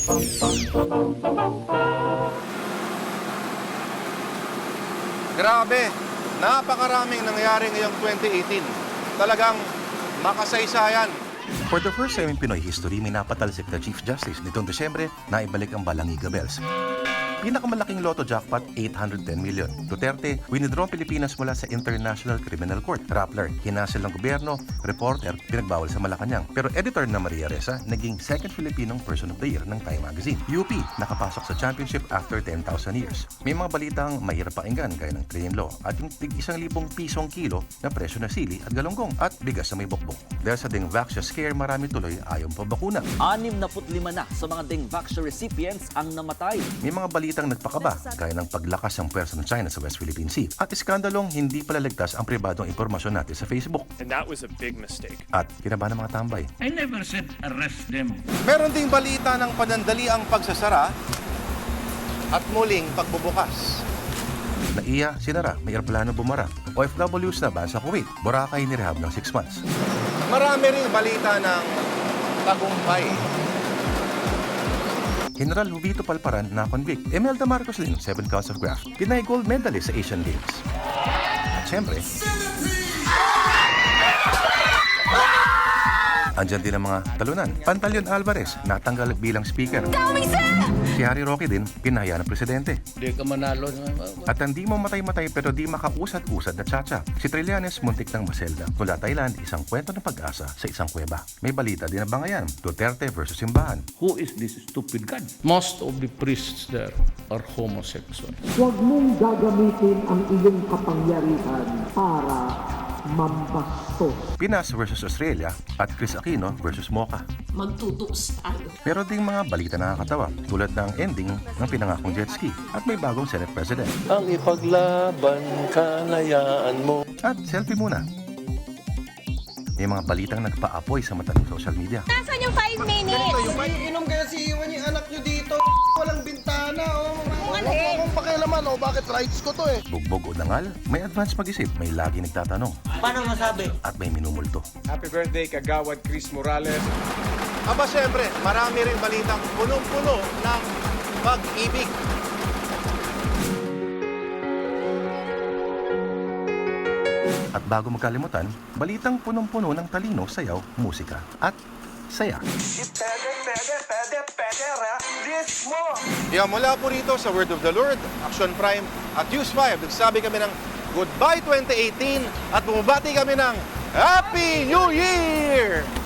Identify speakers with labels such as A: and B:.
A: Grabe, napakaraming nangyari ngayong 2018. Talagang makasaysayan.
B: For the first time in Pinoy history, may napatalsik na Chief Justice. Nitong Desyembre, naibalik ang Balangiga Bells. Pinakamalaking lotto jackpot, 810 million. Duterte, winidraw Pilipinas mula sa International Criminal Court. Rappler, hinasil ng gobyerno. Reporter, pinagbawal sa Malacanang. Pero editor na Maria Ressa, naging second Filipinong Person of the Year ng Time Magazine. UP, nakapasok sa championship after 10,000 years. May mga balitang mahirap pakinggan gaya ng train law at yung tig-1,000 pisong kilo na presyo na sili at galonggong at bigas na may bokbok. Dahil sa Dengvaxia scare, marami tuloy ayaw pa bakuna.
C: 65 na sa mga Dengvaxia recipients ang namatay.
B: May mga balitang nagpakaba, gaya ng paglakas ng pwersa ng China sa West Philippine Sea at iskandalong hindi pala ligtas ang pribadong impormasyon natin sa Facebook.
D: And that was a big mistake.
B: At kinabahan ng mga tambay.
E: I never said arrest them.
A: Meron ding balita ng panandaliang pagsasara at muling pagbubukas.
B: Naiya, sinara, may aeroplano bumara. OFWs na ban sa Kuwait, Boracay nirehab ng 6 months.
A: Marami ring balita ng tagumpay.
B: General Jovito Palparan na convict. Imelda Marcos Lim, 7 counts of graft. Pinay gold medalist sa Asian Games. At syempre, andyan din ang mga talunan. Pantaleon Alvarez, natanggal bilang speaker. Si Harry Roque din, pinahaya ng presidente.
E: Hindi ka manalo.
B: At hindi mo matay-matay pero di makausad-usad na tsacha. Si Trillanes muntik ng maselda. Mula Thailand, isang kwento ng pag-asa sa isang kuweba. May balita din na bangayan, Duterte versus simbahan.
E: Who is this stupid God? Most of the priests there are homosexual.
F: Huwag mong gagamitin ang iyong kapangyarihan para mambastos.
B: Pinas versus Australia at Chris Aquino versus Mocha.
G: Magtutuos tayo.
B: Pero ding mga balita na nakakatawa tulad ng ending ng pinangakong jet ski at may bagong Senate President.
H: Ang ipaglaban, kalayaan mo.
B: At selfie muna. May mga balitang nagpaapoy sa mata ng social media.
I: Nasaan yung 5 minutes?
J: Inom kaya si Iwan yung anak nyo dito. Walang bintana, oh. Huwag
I: Ano eh?
J: akong pakialaman, oh. Bakit rights ko to, eh?
B: Bugbog o dangal, may advance mag-isip, may lagi nagtatanong.
J: Paano masabi?
B: At may minumulto.
D: Happy birthday, Kagawad Chris Morales.
A: Aba syempre, marami rin balitang punong-puno ng pag-ibig.
B: At bago magkalimutan, balitang punong-puno ng talino, sayaw, musika at saya.
A: Kaya mula po rito sa Word of the Lord, Action Prime at News 5, nagsabi kami ng Goodbye 2018 at bumabati kami ng Happy New Year!